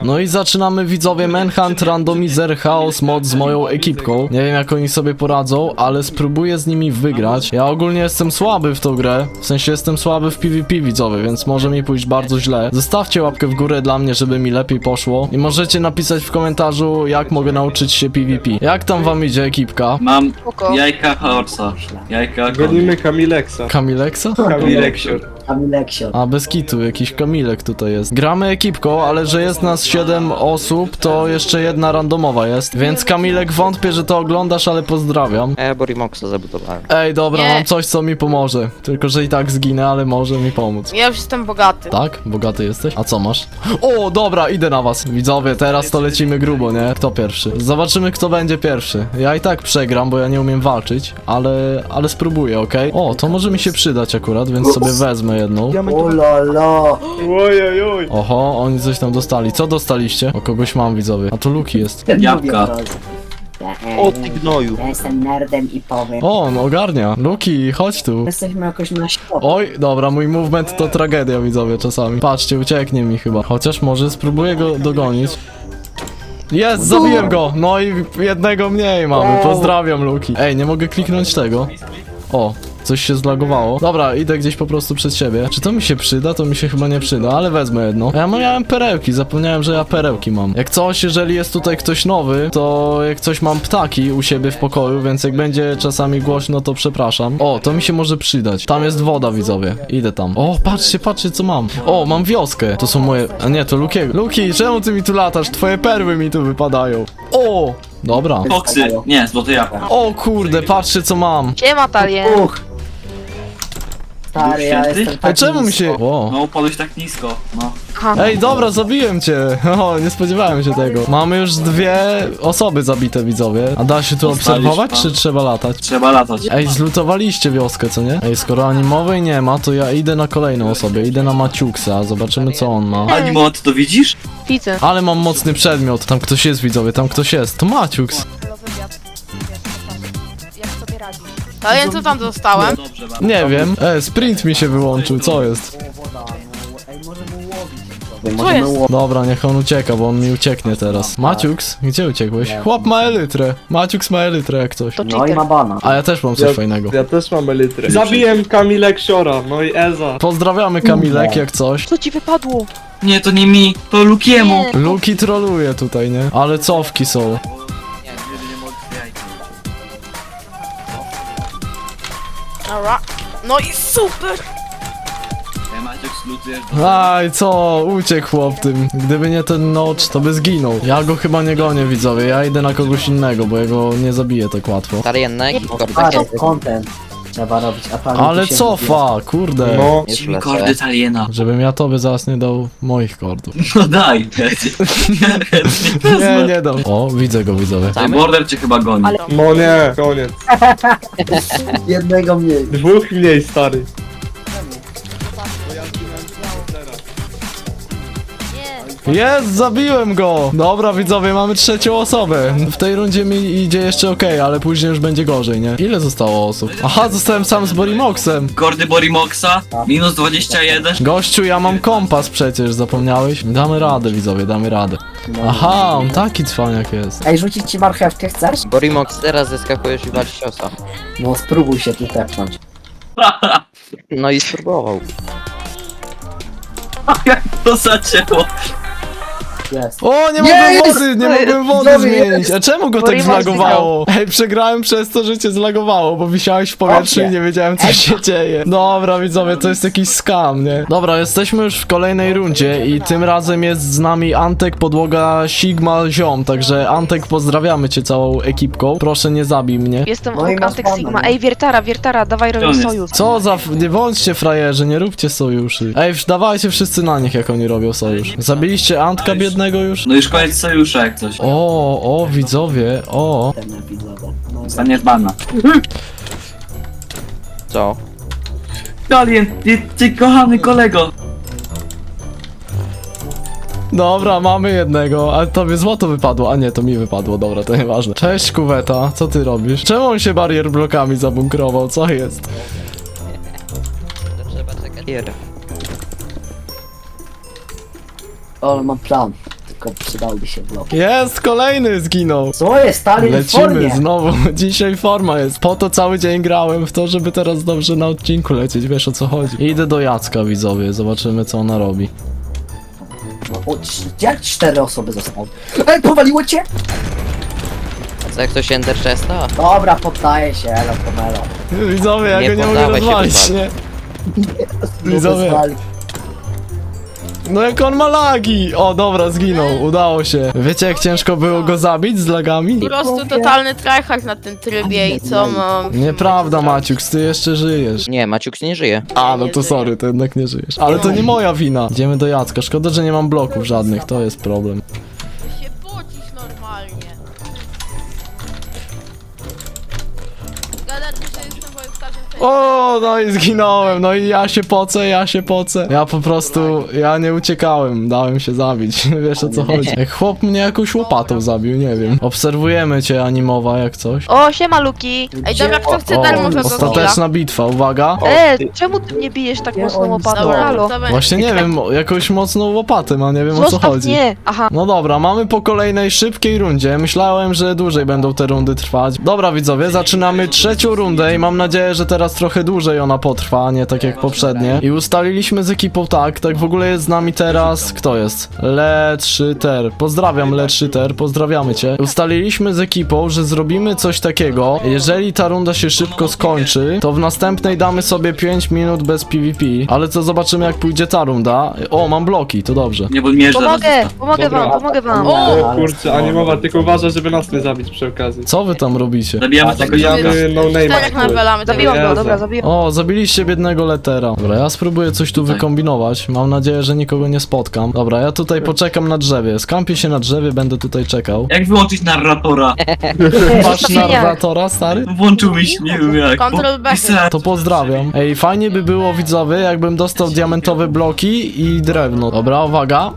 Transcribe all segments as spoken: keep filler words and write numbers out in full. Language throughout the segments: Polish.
No i zaczynamy, widzowie, Manhunt, Randomizer, Chaos Mod z moją ekipką. Nie wiem, jak oni sobie poradzą, ale spróbuję z nimi wygrać. Ja ogólnie jestem słaby w tą grę, w sensie jestem słaby w PvP, widzowie, więc może mi pójść bardzo źle. Zostawcie łapkę w górę dla mnie, żeby mi lepiej poszło. I możecie napisać w komentarzu, jak mogę nauczyć się PvP. Jak tam wam idzie, ekipka? Mam Spoko. jajka Horsa. Jajka Gonimy Kamileksa. Kamileksa? Kamileksior. Kamileksio. A, bez kitu, jakiś Kamilek tutaj jest. Gramy ekipką, ale że jest nas siedem osób, to jeszcze jedna randomowa jest. Więc Kamilek, wątpię, że to oglądasz, ale pozdrawiam. Ja Borimoxa zabudowałem. Ej, dobra, Nie. mam coś, co mi pomoże. Tylko, że i tak zginę, ale może mi pomóc. Ja już jestem bogaty. Tak? Bogaty jesteś? A co masz? O, dobra, idę na was. Widzowie, teraz to lecimy grubo, nie? Kto pierwszy? Zobaczymy, kto będzie pierwszy. Ja i tak przegram, bo ja nie umiem walczyć, ale, ale spróbuję, okej? O, to może mi się przydać akurat, więc sobie wezmę jedną. Ulolo. Ojej, oj. Oho, oni coś tam dostali. Co dostaliście? O, kogoś mam, widzowie. A to Luki jest. Jabłka. O ty gnoju. Ja jestem nerdem i powiem. O, on ogarnia. Luki, chodź tu. Jesteśmy jakoś na środku. Oj, dobra, mój movement to tragedia, widzowie, czasami. Patrzcie, ucieknie mi chyba. Chociaż może spróbuję go dogonić. Jest, zabiłem go! No i jednego mniej mamy. Pozdrawiam, Luki. Ej, nie mogę kliknąć tego. O, coś się zlagowało. Dobra, idę gdzieś po prostu przed siebie. Czy to mi się przyda? To mi się chyba nie przyda, ale wezmę jedno. Ja miałem perełki, zapomniałem, że ja perełki mam. Jak coś, jeżeli jest tutaj ktoś nowy, to jak coś mam ptaki u siebie w pokoju, więc jak będzie czasami głośno, to przepraszam. O, to mi się może przydać. Tam jest woda, widzowie. Idę tam. O, patrzcie, patrzcie, co mam. O, mam wioskę. To są moje... A nie, to Lukiego. Luki, czemu ty mi tu latasz? Twoje perły mi tu wypadają. O! Dobra. Foksy. Nie, złote jabłko. O kurde, patrzcie, co mam. Siema, Talien. Uch. Stary, ja Święty? jestem Ej, taki czemu mi się... O. No upadłeś tak nisko. No. Aha. Ej, dobra, zabiłem cię. O, nie spodziewałem się tego. Mamy już dwie osoby zabite, widzowie. A da się tu obserwować, czy trzeba latać? Trzeba latać. Ej, zlutowaliście wioskę, co nie? Ej, skoro animowej nie ma, to ja idę na kolejną osobę. Idę na Maciuksa, zobaczymy, co on ma. Animo, ty to widzisz? Widzę. Ale mam mocny przedmiot. Tam ktoś jest, widzowie, tam ktoś jest. To Maciuks. Talien, co tam dostałem? Dobrze, mam. Nie wiem. E, sprint mi się wyłączył, co jest? Ej, możemy łowić. Co Możemy jest? łowić. Dobra, niech on ucieka, bo on mi ucieknie teraz. Maciuks, gdzie uciekłeś? Chłop ma elytrę. Maciuks ma elytrę jak coś. To No i cheater. ma bana. A ja też mam coś Ja, fajnego. ja też mam elytrę. Zabiłem Kamileksiora, no i Eza. Pozdrawiamy Kamilek jak coś. Co ci wypadło? Nie, to nie mi, to Lukiemu. Nie. Luki troluje tutaj, nie? Ale cofki są. Dobra. No i super! Ja Maciek slutujesz. Aj, co? Uciekł chłop tym. Gdyby nie ten nocz, to by zginął. Ja go chyba nie gonię, widzowie. Ja idę na kogoś innego, bo ja go nie zabiję tak łatwo. Tariennek i Ale kordy. content trzeba robić, a tam Ale się cofa, kurde. No. Daj mi kordy Taliena. Żebym ja tobie zaraz nie dał moich kordów. No daj. Nie, nie dam. O, widzę go, widzowie. Ej, Border cię chyba goni. Ale- No nie, koniec. jednego mniej. Dwóch mniej, stary. Jest, zabiłem go! Dobra, widzowie, mamy trzecią osobę. W tej rundzie mi idzie jeszcze okej, ale później już będzie gorzej, nie? Ile zostało osób? Aha, zostałem sam z Borimoxem. Kordy Borimoxa. Minus dwadzieścia jeden. Gościu, ja mam kompas przecież, zapomniałeś? Damy radę, widzowie, damy radę. Aha, on taki cwaniak jest. Ej, rzucić ci marchewkę chcesz? Borimox, teraz zeskakujesz i walisz ciosa. No spróbuj się tu tepnąć. No i spróbował. Jak to zacięło. Jest. O, nie mogłem Jest! wody, nie mogłem wody Dobry zmienić. jest! A czemu go tak Borimox zlagowało? Ej, przegrałem przez to, że cię zlagowało, bo wisiałeś w powietrzu i Dobrze. nie wiedziałem, co się dzieje. Dobra, widzowie, to jest jakiś scam, nie? Dobra, jesteśmy już w kolejnej rundzie i tym razem jest z nami Antek, podłoga Sigma, ziom, także Antek, pozdrawiamy cię całą ekipką. Proszę, nie zabij mnie. Jestem No i masz Antek pana, Sigma. no. Ej, Wiertara, Wiertara, dawaj on robimy jest? sojusz. Co za... f- Nie bądźcie frajerzy, nie róbcie sojuszy. Ej, wsz- dawajcie wszyscy na nich, jak oni robią sojusz. Zabiliście Antka biednego już? No już koniec sojusza jak coś. O, o, widzowie, o. Ten epizod. No, Staniesz bana. Co? Talien, ty, ty kochany kolego. Dobra, mamy jednego, ale tobie złoto wypadło, a nie, to mi wypadło, dobra, to nieważne. Cześć, kuweta, co ty robisz? Czemu on się barier blokami zabunkrował, co jest? To trzeba czekać. Hier. O, mam plan. szybko przydałby się blok. Jest, kolejny zginął. Co jest? Stalin w Lecimy formie. znowu, dzisiaj forma jest. Po to cały dzień grałem w to, żeby teraz dobrze na odcinku lecieć, wiesz o co chodzi. Idę do Jacka, widzowie, zobaczymy co ona robi. O, cz- jak cztery osoby zostały? Ej, powaliło cię? Co, jak ktoś Ender Chesta? Dobra, poddaję się, elo, pomelo. Widzowie, ja Nie go nie mogę poddawaj się, rozwalić, wyzwali. nie? Widzowie. No jak on ma lagi! O, dobra, zginął, udało się. Wiecie jak ciężko było go zabić z lagami? Po prostu totalny tryhard na tym trybie i co mam... Nieprawda, Maciuks, ty jeszcze żyjesz. Nie, Maciuks nie żyje. A, no to sorry, to jednak nie żyjesz. Ale to nie moja wina. Idziemy do Jacka, szkoda, że nie mam bloków żadnych, to jest problem. się pocisz normalnie. Gadać, że jestem wojowkarzem tej... O, no i zginąłem, no i ja się pocę, ja się pocę. Ja po prostu, ja nie uciekałem, dałem się zabić, wiesz o co chodzi. Jak chłop mnie jakąś łopatą zabił, nie wiem. Obserwujemy cię, Animowa, jak coś. O, siema Luki. Ej, dobra, kto chce O, darmowego killa? ostateczna bitwa, uwaga. E, czemu ty mnie bijesz tak Nie, mocną oni łopatą? stoją. Halo. Właśnie nie wiem, jakąś mocną łopatę ma, nie wiem o co Zostaw chodzi. mnie! Aha. No dobra, mamy po kolejnej szybkiej rundzie. Myślałem, że dłużej będą te rundy trwać. Dobra widzowie, zaczynamy trzecią rundę i mam nadzieję, że teraz trochę dłużej ona potrwa, nie tak jak poprzednie. I ustaliliśmy z ekipą tak, tak w ogóle jest z nami teraz, kto jest? Letrzyter. Pozdrawiam Letrzyter, pozdrawiamy cię. Ustaliliśmy z ekipą, że zrobimy coś takiego. Jeżeli ta runda się szybko skończy, to w następnej damy sobie pięć minut bez PvP. Ale co zobaczymy jak pójdzie ta runda. O, mam bloki, to dobrze. Nie podmierz zaraz. Pomogę, pomogę Dobra. wam, pomogę wam. O kurczę, Animowa, tylko uważaj, żeby nas nie zabić przy okazji. Co wy tam robicie? Zabijamy tego Zabijamy no Czterech name'a. nawalamy, zabiłam go, Jezu. dobra, zabiłam. O, zabiliście biednego letera. Dobra, ja spróbuję coś tu wykombinować. Mam nadzieję, że nikogo nie spotkam. Dobra, ja tutaj poczekam na drzewie. Skampię się na drzewie, będę tutaj czekał. Jak wyłączyć narratora? Masz Zostawienia. narratora, stary? Włączył mi się, nie wiem jak. Control bo back. pisałem. To pozdrawiam. Ej, fajnie by było, widzowie, jakbym dostał diamentowe bloki i drewno. Dobra, uwaga.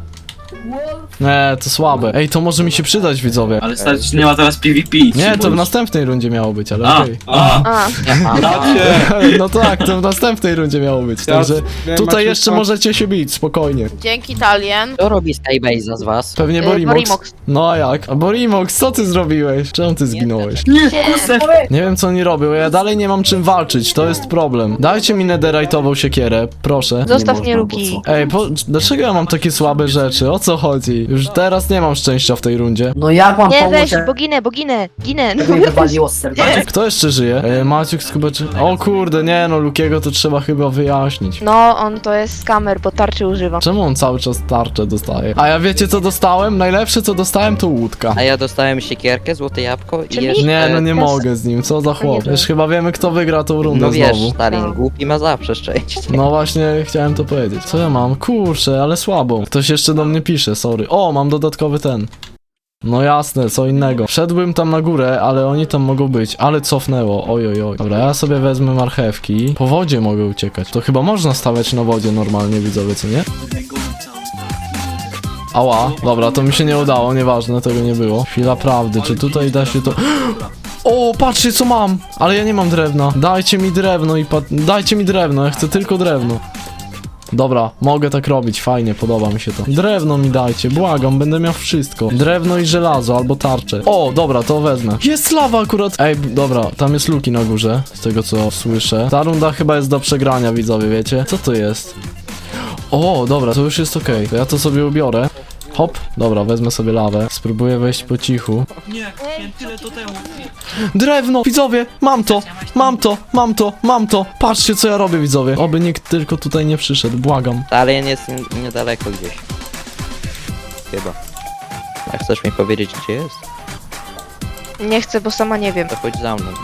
Nie, to słabe. Ej, to może mi się przydać, widzowie. Ale stary, czy nie ma teraz PvP. Nie, to w następnej rundzie miało być, ale A, okej. a. A, Dacie! No tak, to w następnej rundzie miało być, Ja- także nie, tutaj Maciej, jeszcze co? możecie się bić, spokojnie. dzięki Talien. Kto robi Skybase'a z was? Pewnie Y, Borimox. Borimox. No a jak? A Borimox, co ty zrobiłeś? Czemu ty zginąłeś? Nie, kusę. Nie wiem co oni robią, ja dalej nie mam czym walczyć, to jest problem. Dajcie mi netherite'ową siekierę, proszę. Zostaw Nie mnie, można, Luki. bo co? Ej, po, dlaczego ja mam takie słabe rzeczy? O co chodzi? Już teraz nie mam szczęścia w tej rundzie. No jak mam Nie, pomóc, weź, że bo ginę, bo ginę, ginę. No, mnie wywaliło z serca? Kto jeszcze żyje? Ej, Maciuk chyba czy... O kurde, nie no, Lukiego to trzeba chyba wyjaśnić. No, on to jest skamer, bo tarczy używa. Czemu on cały czas tarczę dostaje? A ja wiecie co dostałem? Najlepsze co dostałem to łódka. A ja dostałem siekierkę, złote jabłko i Czyli- jeszcze... Nie, no nie Yes. mogę z nim, co za chłop. nie Już chyba wiemy kto wygra tą rundę No wiesz, znowu. Stalin, No. głupi ma zawsze szczęście. No właśnie, chciałem to powiedzieć. Co ja mam? Kurczę, ale słabo. Ktoś jeszcze do mnie pisze, sorry. O, mam dodatkowy ten. No jasne, co innego. Wszedłbym tam na górę, ale oni tam mogą być, ale cofnęło, oj oj oj. Dobra, ja sobie wezmę marchewki. Po wodzie mogę uciekać. To chyba można stawiać na wodzie normalnie, widzowie, co nie? Ała, dobra, to mi się nie udało, nieważne, tego nie było. Chwila prawdy, czy tutaj da się to... O, patrzcie co mam! Ale ja nie mam drewna. Dajcie mi drewno i pa... Dajcie mi drewno, ja chcę tylko drewno. Dobra, mogę tak robić, fajnie, podoba mi się to. Drewno mi dajcie, błagam, będę miał wszystko. Drewno i żelazo, albo tarczę. O, dobra, to wezmę. Jest lawa akurat! Ej, dobra, tam jest Luki na górze, z tego co słyszę. Ta runda chyba jest do przegrania, widzowie, wiecie? Co to jest? O, dobra, to już jest okej. To ja to sobie ubiorę. Hop, dobra, wezmę sobie lawę. Spróbuję wejść po cichu. Nie, nie, tyle to temu. Drewno! Widzowie! Mam to! Mam to! Mam to! Mam to! Patrzcie co ja robię, widzowie! Oby nikt tylko tutaj nie przyszedł, błagam. Stalin jest nie- niedaleko gdzieś. Chyba. A chcesz mi powiedzieć gdzie jest? Nie chcę, bo sama nie wiem. To chodź za mną.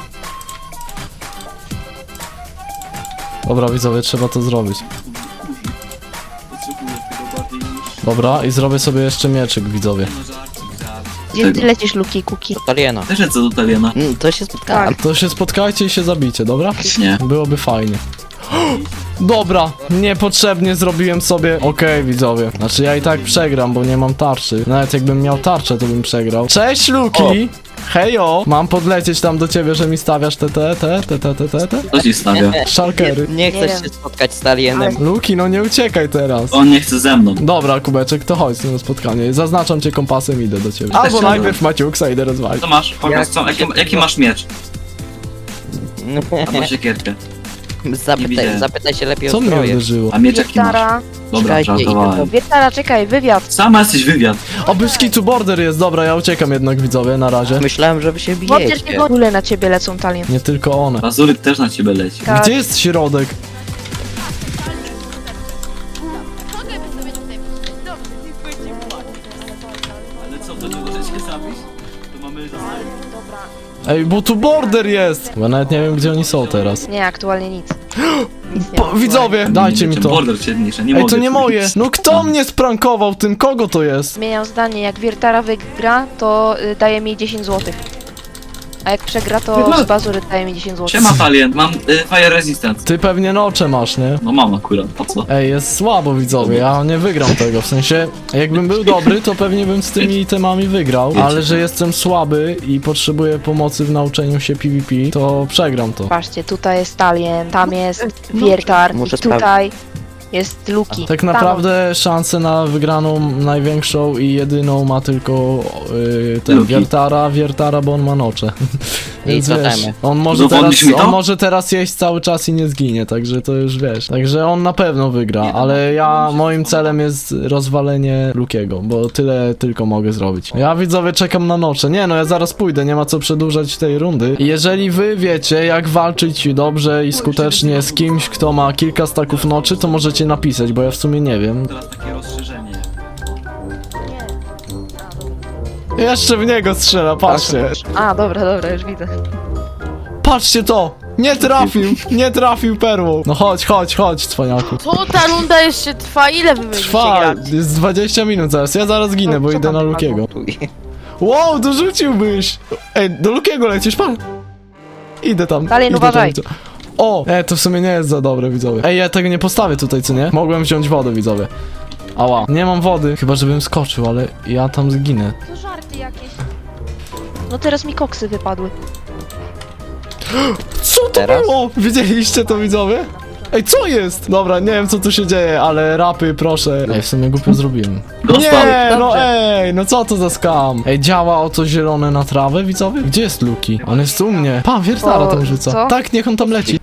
Dobra, widzowie, trzeba to zrobić. Potrzebuję tego bardziej niż... Dobra, i zrobię sobie jeszcze mieczyk, widzowie. No żarcik, żarcik. Gdzie ty lecisz, Luki, Kuki? Do Taliena. Też lecę do Taliena. Mm, to się spotkałem. To się spotkajcie i się zabicie, dobra? Nie. Byłoby fajnie. Dobra, niepotrzebnie zrobiłem sobie... Okej, widzowie. Znaczy ja i tak przegram, bo nie mam tarczy. Nawet jakbym miał tarczę, to bym przegrał. Cześć, Luki! Hejo! Mam podlecieć tam do ciebie, że mi stawiasz te te te te te te te te Co ci stawia? szalkery. Nie, nie chcesz Nie się wiem. spotkać z Alienem. Luki, no nie uciekaj teraz. On nie chce ze mną. Dobra, Kubeczek, to chodź na spotkanie. Zaznaczam cię kompasem, idę do ciebie. Też Albo się najpierw Maciuksa idę rozwalić. Co masz? Pokaż Jak- co, jaki, jaki masz miecz? Albo siekierkę. Zapytaj, widziałem. zapytaj się lepiej Co o mnie zbroję. uderzyło? A miecz jaki masz? Wietara. Dobra, Czekajcie, żartowałem. Wietara, czekaj, wywiad. Sama jesteś wywiad. O, Byskitu border jest, dobra, ja uciekam jednak, widzowie, na razie. Myślałem, że wy się Chociaż bijecie. nie w ogóle na ciebie lecą talien. Nie tylko one. Bazuryk też na ciebie leci. Tak. Gdzie jest środek? Ale co, to nie możecie zabić? To mamy Ej, bo tu border jest! Bo nawet nie wiem, gdzie oni są teraz. Nie, aktualnie nic. Nic nie Po, ma. widzowie, dajcie mi to. Border cię niszczy, nie Ej, mogę. to nie moje. No kto mnie sprankował tym? Kogo to jest? Zmieniam zdanie, jak Wiertara wygra, to y, daje mi dziesięć złotych. A jak przegra, to z bazury daje mi dziesięć złotych. Siema Talien, mam y, fire resistance. Ty pewnie nocze masz, nie? No mam akurat, po co? Ej, jest słabo, widzowie, ja nie wygram tego, w sensie, jakbym był dobry, to pewnie bym z tymi itemami wygrał, ale że jestem słaby i potrzebuję pomocy w nauczeniu się PvP, to przegram to. Patrzcie, tutaj jest talien, tam jest Wiertar, Muszę i tutaj jest Luki. Tak Tam- naprawdę szansę na wygraną największą i jedyną ma tylko yy, ten Luki. Wiertara, Wiertara, bo on ma nocze. Więc I wiesz, totemy. on może, teraz, Udowodnisz mi to? on może teraz jeść cały czas i nie zginie, także to już wiesz. Także on na pewno wygra, ale ja, moim celem jest rozwalenie Lukiego, bo tyle tylko mogę zrobić. Ja, widzowie, czekam na nocze. Nie no, ja zaraz pójdę, nie ma co przedłużać tej rundy. I jeżeli wy wiecie, jak walczyć dobrze i skutecznie z kimś, kto ma kilka staków noczy, to możecie napisać, bo ja w sumie nie wiem. Teraz takie rozszerzenie. Jeszcze w niego strzela, patrzcie. A, dobra, dobra, już widzę. Patrzcie to! Nie trafił, nie trafił perłą. No chodź, chodź, chodź, cwaniaku. Co ta runda jeszcze trwa? Ile wy będziecie Trwa, grać? jest dwadzieścia minut zaraz, ja zaraz ginę, No, bo co idę tam na padło? Lukiego. Tuj. Wow, dorzuciłbyś! Ej, do Lukiego lecisz, pan? Idę tam. Dalej, idę uważaj. Tam, o! E, to w sumie nie jest za dobre, widzowie. Ej, ja tego nie postawię tutaj, co nie? Mogłem wziąć wodę, widzowie. Ała, nie mam wody, chyba żebym skoczył, ale ja tam zginę. To żarty jakieś. No teraz mi koksy wypadły. Co to Teraz? było? Widzieliście to, widzowie? Ej, co jest? Dobra, nie wiem, co tu się dzieje, ale rapy, proszę. Ej, w sumie głupio zrobiłem. Dostał. Nie, no Dobrze. ej, no co to za skam? Ej, działa o to zielone na trawę, widzowie? Gdzie jest Luki? On jest u mnie. Pa, Wiertara O, tam rzuca. co? Tak, niech on tam leci.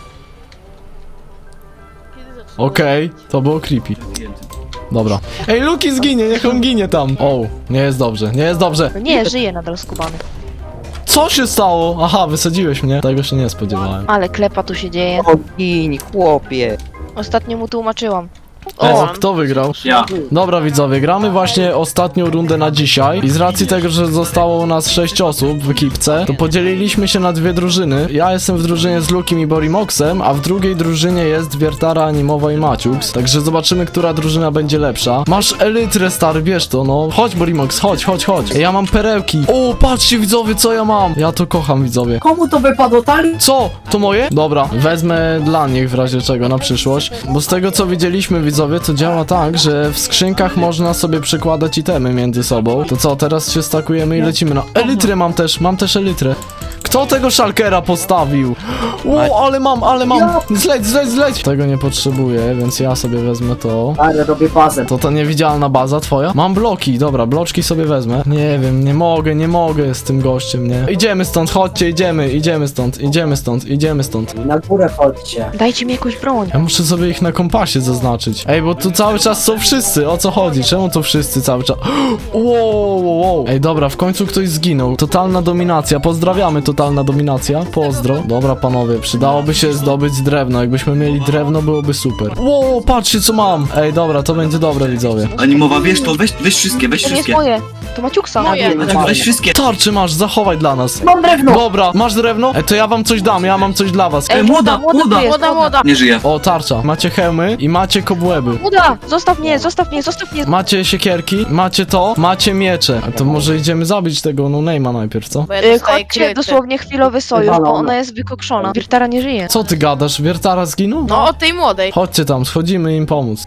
Okej, to było creepy. Dobra. Ej, Luki zginie, niech on ginie tam. O, nie jest dobrze, nie jest dobrze. No nie, żyje nadal skubany. Co się stało? Aha, wysadziłeś mnie. Tego się nie spodziewałem. Ale klepa tu się dzieje. Gin, chłopie. Ostatnio mu tłumaczyłam. O, O, kto wygrał? Ja. Dobra, widzowie, gramy właśnie ostatnią rundę na dzisiaj i z racji tego, że zostało nas sześć osób w ekipce, to podzieliliśmy się na dwie drużyny. Ja jestem w drużynie z Lukim i Borimoxem, a w drugiej drużynie jest Wiertara, Animowa i Maciux, także zobaczymy, która drużyna będzie lepsza. Masz elytrę, stary, bierz to, no. Chodź, Borimox, chodź, chodź, chodź. Ja mam perełki. O, patrzcie, widzowie, co ja mam. Ja to kocham, widzowie. Komu to wypadło, Tali? Co? To moje? Dobra, wezmę dla nich w razie czego na przyszłość, bo z tego co widzieliśmy, widzowie, to działa tak, że w skrzynkach można sobie przykładać itemy między sobą. To co, teraz się stakujemy i lecimy na... Elytrę mam też, mam też elytrę. Kto tego szalkera postawił? O, ale mam, ale mam. Zleć, zleć, zleć. Tego nie potrzebuję, więc ja sobie wezmę to. Ale robię bazę. To ta niewidzialna baza twoja? Mam bloki, dobra, bloczki sobie wezmę. Nie wiem, nie mogę, nie mogę z tym gościem, nie? Idziemy stąd, chodźcie, idziemy, idziemy stąd, idziemy stąd, idziemy stąd. Na górę chodźcie. dajcie mi jakąś broń. Ja muszę sobie ich na kompasie zaznaczyć. Ej, bo tu cały czas są wszyscy, o co chodzi? Czemu tu wszyscy cały czas? Wow, wow, wow. Ej, dobra, w końcu ktoś zginął. Totalna dominacja, pozdrawiamy, totalna dominacja. Pozdro. Dobra, panowie, przydałoby się zdobyć drewno. Jakbyśmy mieli drewno, byłoby super. Wow, patrzcie co mam. Ej, dobra, to będzie dobre, widzowie. Animowa, wiesz to, weź, weź wszystkie, weź To nie jest wszystkie. moje. To Maciuksa. Moje. Maciek, weź wszystkie. Tarczy masz, zachowaj dla nas. Mam drewno! Dobra, masz drewno? Ej, to ja wam coś dam, ja mam coś dla was. Ej, młoda, młoda, młoda. tu jest, młoda, młoda. Nie żyje. O, tarcza. Macie hełmy i macie kobłęby. Młoda, zostaw mnie, zostaw mnie, zostaw mnie. Macie siekierki, macie to, macie miecze. A to może idziemy zabić tego no name'a najpierw, co? Y, chodźcie dosłownie mnie chwilowy sojusz, bo ona jest wykokszona. Wiertara nie żyje. Co ty gadasz? Wiertara zginął? No, od tej młodej. Chodźcie tam, schodzimy im pomóc.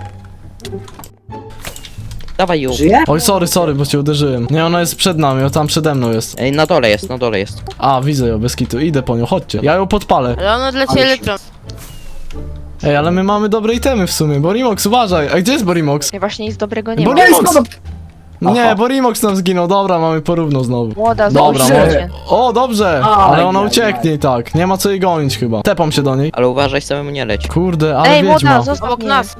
Dawaj ją. Żyje? Oj, sorry, sorry, bo cię uderzyłem. Nie, ona jest przed nami, o tam przede mną jest. Ej, na dole jest, na dole jest. A, widzę ją, bez kitu, idę po nią, chodźcie. Ja ją podpalę. Ale ona odleci Ale się- elektron. Ej, ale my mamy dobre itemy w sumie. Borimox, uważaj. A gdzie jest Borimox? Ja właśnie nic dobrego nie Bo ma. nie- Ej, Nie, Aha. Borimox nam zginął, dobra, mamy porówno znowu. Młoda, Dobra, znowu może... życie. O, dobrze, Aj, ale ona aj, ucieknie i tak. Nie ma co jej gonić chyba. Tepam się do niej. Ale uważaj, samemu nie leć. Kurde, ale Ej, wiedźma. młoda, zostaw Obok mnie. nas.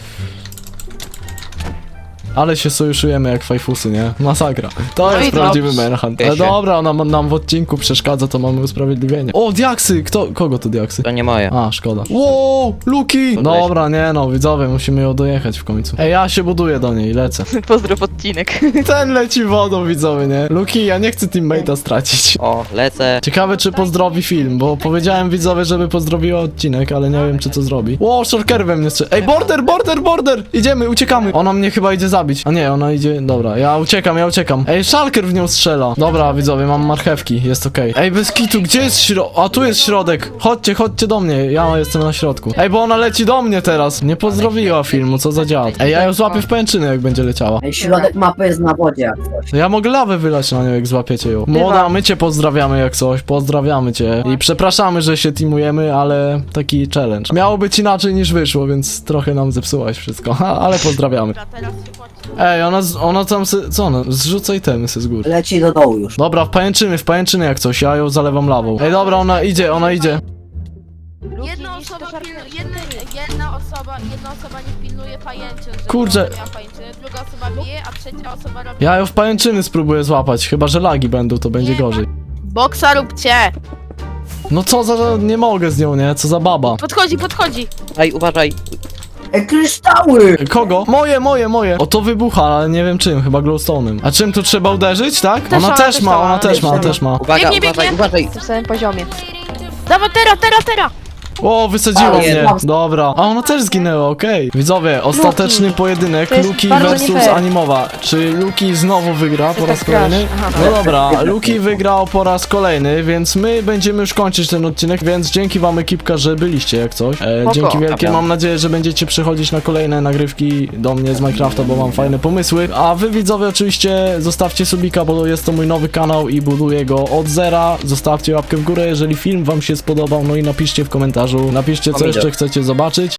Ale się sojuszujemy jak fajfusy, nie? Masakra. To No jest i prawdziwy dobrze. manhunt. Ale Wiecie. dobra, ona ma- nam w odcinku przeszkadza, to mamy usprawiedliwienie. O, diaksy! Kto, kogo to diaksy? To nie moje. A, szkoda. Wow, Luki! Dobra, nie no, widzowie, musimy ją dojechać w końcu. Ej, ja się buduję do niej, lecę. Pozdrów odcinek. Ten leci wodą, widzowie, nie? Luki, ja nie chcę teammate'a stracić. O, lecę. Ciekawe, czy pozdrowi film, bo powiedziałem widzowie, żeby pozdrowiła odcinek, ale nie wiem, czy to zrobi. Ło, shorker we mnie strzela. Ej, border, border, border! Idziemy, uciekamy. Ona mnie chyba idzie zabić. A nie, ona idzie... Dobra, ja uciekam, ja uciekam. Ej, szalker w nią strzela. Dobra, widzowie, mam marchewki, jest okej. Ej, bez kitu, gdzie jest środek? A, tu jest środek. Chodźcie, chodźcie do mnie, ja jestem na środku. Ej, bo ona leci do mnie teraz. Nie pozdrowiła filmu, co za dziad. Ej, ja ją złapię w pęczyny, jak będzie leciała. Ej, środek mapy jest na wodzie jak coś. Ja mogę lawę wylać na nią, jak złapiecie ją. Młoda, my cię pozdrawiamy jak coś, pozdrawiamy cię. I przepraszamy, że się teamujemy, ale taki challenge. Miało być inaczej niż wyszło, więc trochę nam zepsułaś wszystko, ha, ale pozdrawiamy. Dobra, teraz się płaci. Ej, ona, z- ona tam se, co ona, zrzuca itemy se z góry. Leci do dołu już. Dobra, w pajęczyny, w pajęczyny jak coś, ja ją zalewam lawą. Ej, dobra, ona idzie, ona idzie. Jedna Luki, osoba, niż te pilnu, szarkery. jedna, jedna osoba, jedna osoba nie pilnuje pajęczyn, żeby Kurczę. ona miała pajęczyny, druga osoba bije, a trzecia osoba robi... Ja ją w pajęczyny spróbuję złapać, chyba że lagi będą, to będzie gorzej. Boksa róbcie! No co za, nie mogę z nią, nie? Co za baba. Podchodzi, podchodzi! Ej, uważaj. Ej, kryształy! Kogo? Moje, moje, moje. O, to wybucha, ale nie wiem czym, chyba glowstone'em. A czym tu trzeba uderzyć, tak? Też Ona ona, też też ma, ona, ona też też ma, ona. też ma. Uwaga, Biegnie, uważaj, biegnie. uważaj. W tym samym poziomie. Dawaj, tera, tera, tera! O, wysadziła Ale mnie. jest. Dobra. A ona też zginęła, okej. Widzowie, ostateczny Luki. pojedynek To jest Luki bardzo versus nie fair. Animowa. Czy Luki znowu wygra po Ty raz tak grasz. kolejny? Aha. No dobra, Luki wygrał po raz kolejny, więc my będziemy już kończyć ten odcinek, więc dzięki wam ekipka, że byliście jak coś. E, Spoko. dzięki wielkie, Dobra. mam nadzieję, że będziecie przychodzić na kolejne nagrywki do mnie z Minecrafta, bo mam fajne pomysły. A wy widzowie oczywiście zostawcie subika, bo jest to mój nowy kanał i buduję go od zera. Zostawcie łapkę w górę, jeżeli film wam się spodobał, no i napiszcie w komentarzu, napiszcie co Pomidor. jeszcze chcecie zobaczyć.